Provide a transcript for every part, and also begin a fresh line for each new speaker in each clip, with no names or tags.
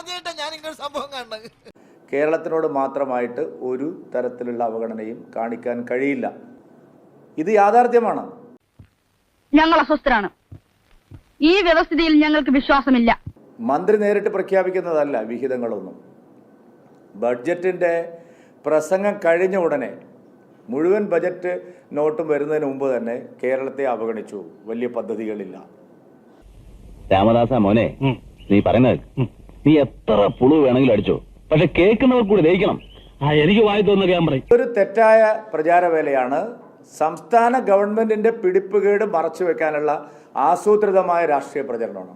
ആദ്യമായിട്ടാണ് ഞാൻ ഇങ്ങനെ സംഭവം കാണുന്നത്.
കേരളത്തിനോട് മാത്രമായിട്ട് ഒരു തരത്തിലുള്ള അവഗണനയും കാണിക്കാൻ കഴിയില്ല. ഇത് യാഥാർത്ഥ്യമാണ്.
ഞങ്ങൾ അസ്വസ്ഥരാണ്. ഈ വ്യവസ്ഥിതിയിൽ ഞങ്ങൾക്ക് വിശ്വാസമില്ല.
മന്ത്രി നേരിട്ട് പ്രഖ്യാപിക്കുന്നതല്ല വിഹിതങ്ങളൊന്നും. ബഡ്ജറ്റിൻ്റെ പ്രസംഗം കഴിഞ്ഞ ഉടനെ മുഴുവൻ ബജറ്റ് നോട്ടും വരുന്നതിന് മുമ്പ് തന്നെ കേരളത്തെ അവഗണിച്ചു. വലിയ പദ്ധതികളില്ല.
രാമദാസ മോനെ, നീ പറയുന്നത് നീ എത്ര പുളു വേണമെങ്കിലും അടിച്ചോ, പക്ഷെ കേൾക്കുന്നവർ കൂടി ദഹിക്കണം. എനിക്ക് വായി തോന്നുന്ന ഞാൻ പറയും.
ഒരു തെറ്റായ പ്രചാരവേലയാണ്. സംസ്ഥാന ഗവൺമെന്റിന്റെ പിടിപ്പുകേട് മറച്ചു വെക്കാനുള്ള ആസൂത്രിതമായ രാഷ്ട്രീയ പ്രചരണമാണ്.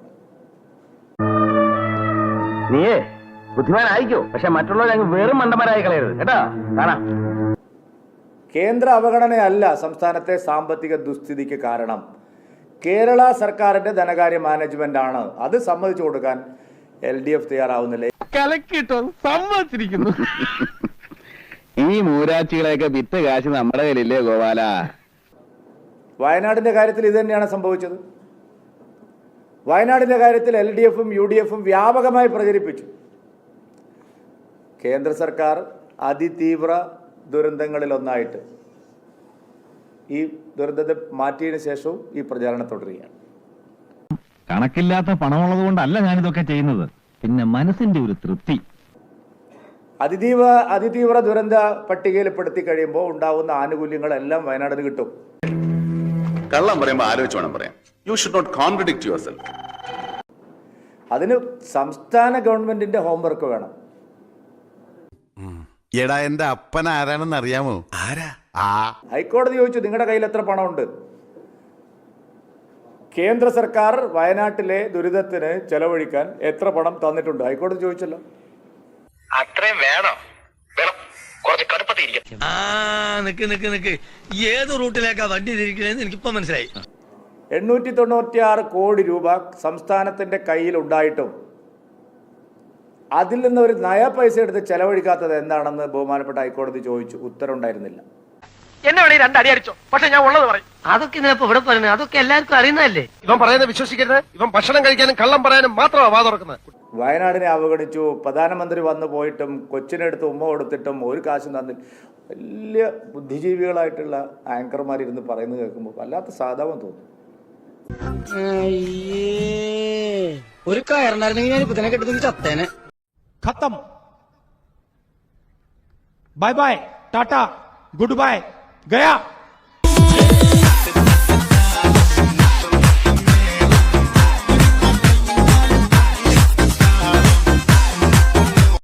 നീയേ ബുദ്ധിമാനായിക്കോ, പക്ഷെ മറ്റുള്ളവർ വെറും മണ്ടന്മാരായി കളയരുത് കേട്ടാ. കാണാം,
കേന്ദ്ര അവഗണനയല്ല സംസ്ഥാനത്തെ സാമ്പത്തിക ദുസ്ഥിതിക്ക് കാരണം. കേരള സർക്കാരിന്റെ ധനകാര്യ മാനേജ്മെന്റ് ആണ്. അത് സമ്മതിച്ചു കൊടുക്കാൻ LDF തയ്യാറാവുന്നില്ലേ?
സമ്മതിച്ചിരിക്കുന്നു. ഈ മൂരാച്ചികളെയൊക്കെ വിറ്റ് കാശ് നമ്മുടെ കയ്യിലില്ലേ ഗോപാല?
വയനാടിന്റെ കാര്യത്തിൽ ഇത് തന്നെയാണ് സംഭവിച്ചത്. വയനാടിന്റെ കാര്യത്തിൽ LDFും UDFും വ്യാപകമായി പ്രചരിപ്പിച്ചു. കേന്ദ്ര സർക്കാർ അതിതീവ്ര ദുരന്തങ്ങളിലൊന്നായിട്ട് ഈ ദുരന്തത്തെ മാറ്റിയതിനു ശേഷവും ഈ പ്രചാരണം തുടരുകയാണ്.
കണക്കില്ലാത്ത പണമുള്ളത് കൊണ്ടല്ല ഞാനിതൊക്കെ ചെയ്യുന്നത്, പിന്നെ മനസ്സിന്റെ ഒരു തൃപ്തി.
അതിതീവ്ര ദുരന്ത പട്ടികയിൽപ്പെടുത്തി കഴിയുമ്പോൾ ഉണ്ടാവുന്ന ആനുകൂല്യങ്ങളെല്ലാം വയനാടിന് കിട്ടും.
കള്ളം പറയുമ്പോൾ ആലോചിച്ച് വേണം പറയാം. You should not contradict yourself.
അതിന് സംസ്ഥാന ഗവൺമെന്റിന്റെ ഹോംവർക്ക് വേണം.
എടാ, എന്റെ അപ്പൻ ആരാണെന്ന് അറിയാമോ? ആരാ?
ഹൈക്കോടതി ചോദിച്ചു, നിങ്ങളുടെ കയ്യിൽ എത്ര പണമുണ്ട്? കേന്ദ്ര സർക്കാർ വയനാട്ടിലെ ദുരിതത്തിന് ചെലവഴിക്കാൻ എത്ര പണം തന്നിട്ടുണ്ട്? ഹൈക്കോടതി ചോദിച്ചല്ലോ.
അത്രയും വേണം. കുറച്ച് കടുപ്പത്തിരിക്കും. നിക്ക് ഏത് റൂട്ടിലേക്കാ വണ്ടി തിരിക്കണേന്ന് എനിക്കിപ്പോ മനസ്സിലായി.
896 കോടി രൂപ സംസ്ഥാനത്തിന്റെ കയ്യിൽ ഉണ്ടായിട്ടും അതിൽ നിന്ന് ഒരു നയ പൈസ എടുത്ത് ചെലവഴിക്കാത്തത് എന്താണെന്ന് ബഹുമാനപ്പെട്ട ഹൈക്കോടതി ചോദിച്ചു. ഉത്തരവുണ്ടായിരുന്നില്ല.
എന്നെ വേണേ രണ്ടടി അടിച്ചോ, പക്ഷെ ഞാൻ ഉള്ളത് പറയും. അതൊക്കെ ഇതിനപ്പോ ഇവിടെ പറയുന്നത്, അതൊക്കെ എല്ലാവർക്കും അറിയുന്നതല്ലേ. ഇവൻ പറയുന്നത് വിശ്വസിക്കരുത്. ഇവൻ ഭക്ഷണം കഴിക്കാനും കള്ളം പറയാനും മാത്രമാണ് വാ തുറക്കുന്നത്.
വയനാടിനെ അവഗണിച്ചു. പ്രധാനമന്ത്രി വന്നു പോയിട്ടും കൊച്ചിനെടുത്ത് ഉമ്മ കൊടുത്തിട്ടും ഒരു കാശും തന്നില്ല. വലിയ ബുദ്ധിജീവികളായിട്ടുള്ള ആങ്കർമാരിരുന്ന് പറയുന്നത് കേൾക്കുമ്പോൾ വല്ലാത്ത സാധാവം തോന്നും.
ഒരു കയറുണ്ടായിരുന്നെങ്കിൽ ഞാൻ ഇപ്പൊ തന്നെ കെട്ടുന്ന ചത്തേനെ.
खत्म. Bye bye, tata, goodbye, गया.